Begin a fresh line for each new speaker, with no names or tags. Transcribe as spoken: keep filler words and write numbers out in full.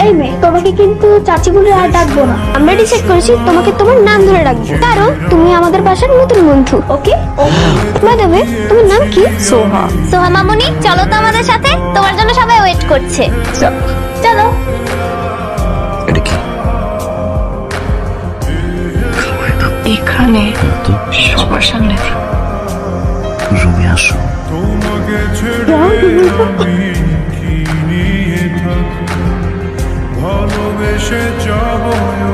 এই মেয়ে, তোমাকে কিন্তু চাচি বলে আর ডাকবো না। আমরা ডিসাইড করেছি তোমাকে তোমার নাম ধরে ডাকবো, কারণ তুমি আমাদের বাসার নতুন বন্ধু। ওকে? বাই দ্য ওয়ে, তোমার নাম কি?
সোহা।
সোহা মামুনি, চলো তো আমাদের সাথে, তোমার জন্য সবাই ওয়েট করছে। চলো।
এটা কি?
এখানে সবার সামনে
রুমে আসো।
তোমাকে ছেড়ে আমি কি নিয়ে থাকি, ভালোবেসে যাব